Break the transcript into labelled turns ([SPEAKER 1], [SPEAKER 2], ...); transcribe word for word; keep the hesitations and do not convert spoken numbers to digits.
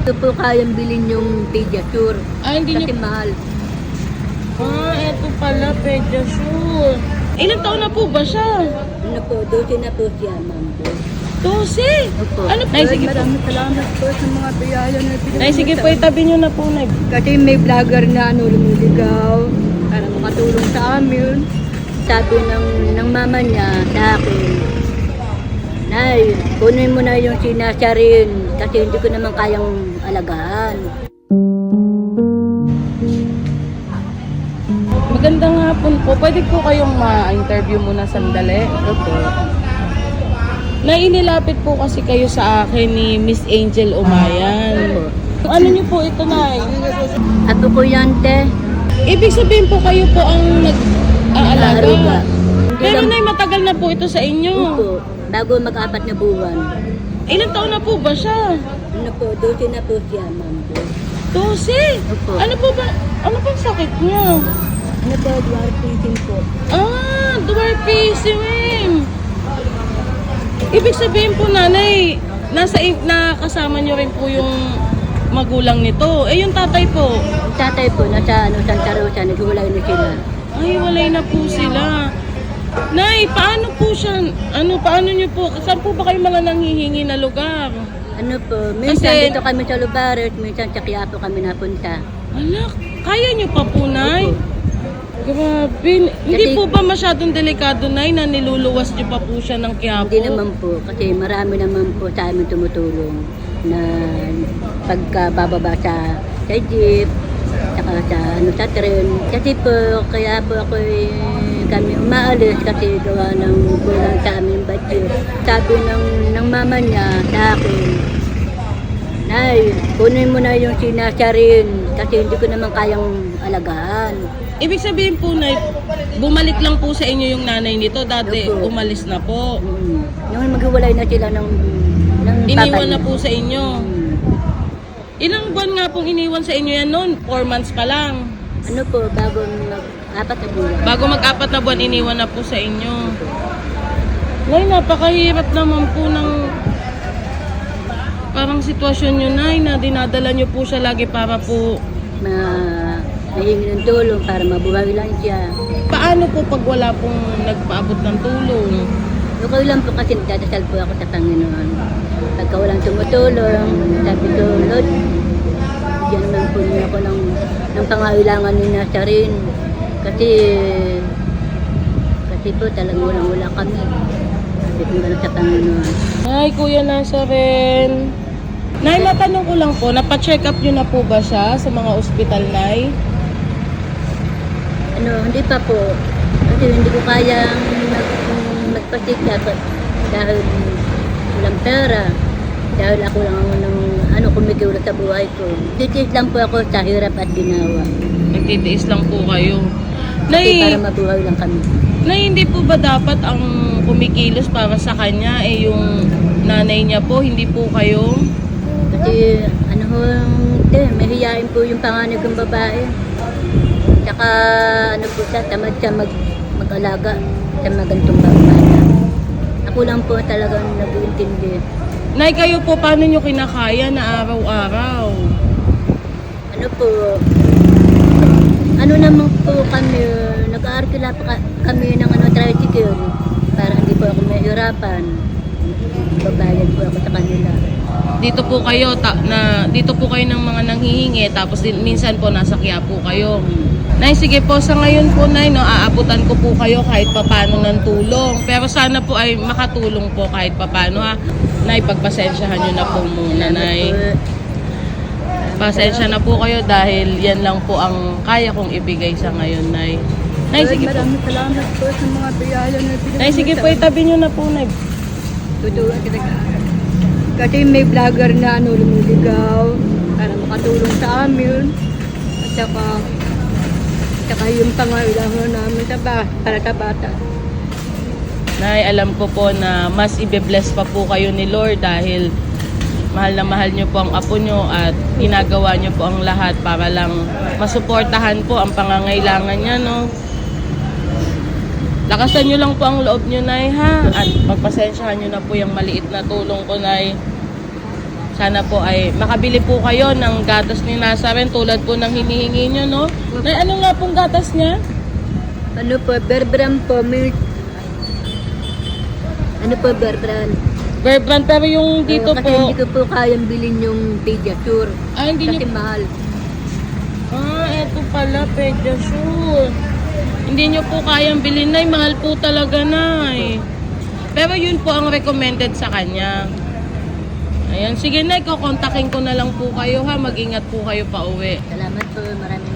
[SPEAKER 1] Ito po kayang bilhin yung Pediasure.
[SPEAKER 2] Ah, hindi
[SPEAKER 1] Kasi
[SPEAKER 2] niyo...
[SPEAKER 1] mahal.
[SPEAKER 2] Ah, eto pala, Pediasure. Ilang taon na po ba siya?
[SPEAKER 1] Ano po, dosi na po siya, ma'am.
[SPEAKER 2] Dosi.
[SPEAKER 1] Opo.
[SPEAKER 2] Ano? Nay, sige po.
[SPEAKER 1] Maraming salamat po sa mga biyaya na pinag-
[SPEAKER 2] Nay, sige po, itabi niyo na po, Nay.
[SPEAKER 1] Kasi may vlogger na ano, lumiligaw para makatulong sa amin. Sabi ng, ng mama niya sa akin, Nay, kunin mo na yung sinasarin kasi hindi ko naman kayang alagaan.
[SPEAKER 2] Magandang hapon po. Pwede po kayong ma-interview muna sandali?
[SPEAKER 1] Opo.
[SPEAKER 2] Nay, inilapit po kasi kayo sa akin ni Miss Angel Umayan.
[SPEAKER 1] Opo.
[SPEAKER 2] Ano niyo po ito, Nay?
[SPEAKER 1] Ato ko yan, te.
[SPEAKER 2] Ibig sabihin po kayo po ang nag-aalaga.
[SPEAKER 1] Nag-aaruga.
[SPEAKER 2] Pero Nay, matagal na po ito sa inyo.
[SPEAKER 1] Opo. Bago mag-apat na buwan.
[SPEAKER 2] Ilang taon na po ba siya?
[SPEAKER 1] Ano po, dosi na po siya, ma'am.
[SPEAKER 2] Dosi.
[SPEAKER 1] Opo.
[SPEAKER 2] Ano po ba? Ano pong sakit niya?
[SPEAKER 1] Ano po, dwarfism po.
[SPEAKER 2] Ah, dwarfism. Ibig sabihin po, Nanay, nasa nakasama niyo rin po yung magulang nito. Eh, yung tatay po.
[SPEAKER 1] Yung tatay po, nasa ano, Santa Rosa, naghiwalay na sila.
[SPEAKER 2] Ay, walay na po sila. Nay, paano po siya, ano, paano niyo po, saan po ba kayo mga nanghihingi na lugar?
[SPEAKER 1] Ano po, minsan
[SPEAKER 2] Kasi-
[SPEAKER 1] dito kami sa Lubaret, minsan sa Quiapo kami napunta.
[SPEAKER 2] Alak, kaya niyo pa po, Nay?
[SPEAKER 1] Opo.
[SPEAKER 2] Grabe. Hindi po ba masyadong delikado, Nay, na niluluwas niyo pa po siya ng Quiapo?
[SPEAKER 1] Hindi naman po, kasi marami naman po sa amin tumutulong na pagka bababa sa, sa jeep, saka sa, ano, sa tren. Kasi po, kaya po ako kami umaalis kasi gawa ng kulang sa aming budget. Sabi ng, ng mama niya sa akin, Nay, kunin mo na yung sinasarin kasi hindi ko naman kayang alagaan.
[SPEAKER 2] Ibig sabihin po, Nay, bumalik lang po sa inyo yung nanay nito. Dati,
[SPEAKER 1] Opo.
[SPEAKER 2] umalis na po.
[SPEAKER 1] Mm. Yung maghiwalay na sila ng, ng
[SPEAKER 2] Iniwan
[SPEAKER 1] papa
[SPEAKER 2] na
[SPEAKER 1] niya.
[SPEAKER 2] po sa inyo.
[SPEAKER 1] Mm.
[SPEAKER 2] Ilang buwan nga pong iniwan sa inyo yan noon? Four months pa lang.
[SPEAKER 1] Ano po, bago mag apat na buwan.
[SPEAKER 2] Bago mag-apat na buwan, iniwan na po sa inyo. Nay, napakahirap naman po ng parang sitwasyon nyo, Nay, na dinadala nyo po siya lagi para po...
[SPEAKER 1] Ma nahingi ng tulong para mabuhay lang siya.
[SPEAKER 2] Paano po pag wala pong nagpaabot ng tulong?
[SPEAKER 1] Okay lang po kasi nagdadasal po ako sa Panginoon. Pagka walang tumutulong, sabi ko, Lord, bigyan naman po niya ako ng, ng pangailangan ni Nazarin. Kasi, kasi po talagang walang-wala kami. Sabi ko gano'n sa Panginoon.
[SPEAKER 2] Ay, Kuya Nazaren. Nay, matanong ko lang po, napacheck up nyo na po ba siya sa mga ospital, Nay?
[SPEAKER 1] Ano, hindi pa po. Kasi hindi ko kayang mag, magpasikap dahil walang pera. Dahil ako lang ang ng, ano, kumikiwala sa buhay ko. Titis lang po ako sa hirap at ginawa.
[SPEAKER 2] Nagtitiis lang po kayo.
[SPEAKER 1] Kasi
[SPEAKER 2] Nay,
[SPEAKER 1] para mabuhay lang kami.
[SPEAKER 2] Nay, hindi po ba dapat ang kumikilos para sa kanya, eh yung nanay niya po, hindi po kayo?
[SPEAKER 1] Kasi ano ho, eh, mahihayin po yung panganay kong babae. Tsaka ano po siya, tamad siya mag, mag-alaga sa mga ganitong bata. Ako lang po talagang nag-iintindi.
[SPEAKER 2] Nay, kayo po, paano nyo kinakaya na araw-araw?
[SPEAKER 1] Ano po, ano naman po kami, nag-aarkila pa ka- kami ng ano, tricycle para hindi po ako mahirapan. Babayad po ako sa kanila.
[SPEAKER 2] Dito po kayo, ta- na, dito po kayo ng mga nanghihingi, tapos din, minsan po nasa Quiapo kayo. Nay, sige po, sa ngayon po, Nay, no, aabutan ko po kayo kahit papano ng tulong. Pero sana po ay makatulong po kahit papano, ha. Nay, pagpasensyahan nyo na po muna, Nay. Pasensya na po kayo dahil yan lang po ang kaya kong ibigay sa ngayon, Nay. Nay, sige po.
[SPEAKER 1] Maraming salamat po sa mga biyaya na pinag-
[SPEAKER 2] Nay, sige po, itabi nyo na po, Nay.
[SPEAKER 1] Tutuwa kita. Kasi may vlogger na ano, lumiligaw para makatulong sa amin. At saka, saka yung pangailangan namin sa ba, para sa bata.
[SPEAKER 2] Nay, alam ko po na mas ibe-bless pa po kayo ni Lord dahil mahal na mahal nyo po ang apo nyo at ginagawa nyo po ang lahat para lang masuportahan po ang pangangailangan niya, no? Lakasan nyo lang po ang loob nyo, Nay, ha? At pagpasensyahan nyo na po yung maliit na tulong ko, Nay. Sana po ay makabili po kayo ng gatas ni Nazaren tulad po ng hinihingi nyo, no? Nay, ano nga pong gatas niya?
[SPEAKER 1] Ano po, Berbran po, milk. Ano po, Berbran?
[SPEAKER 2] Bear Brand, pero yung dito
[SPEAKER 1] Oo, kasi
[SPEAKER 2] po...
[SPEAKER 1] hindi ko po kayang bilhin yung Pediasure.
[SPEAKER 2] Ah, hindi
[SPEAKER 1] Kasi
[SPEAKER 2] nyo...
[SPEAKER 1] mahal.
[SPEAKER 2] Ah, eto pala, Pediasure. Hindi nyo po kayang bilhin, Nay. Mahal po talaga, Nay. Pero yun po ang recommended sa kanya. Ayan, sige, Nay, kukontakin ko na lang po kayo, ha. Mag-ingat po kayo pa uwi.
[SPEAKER 1] Salamat po, maraming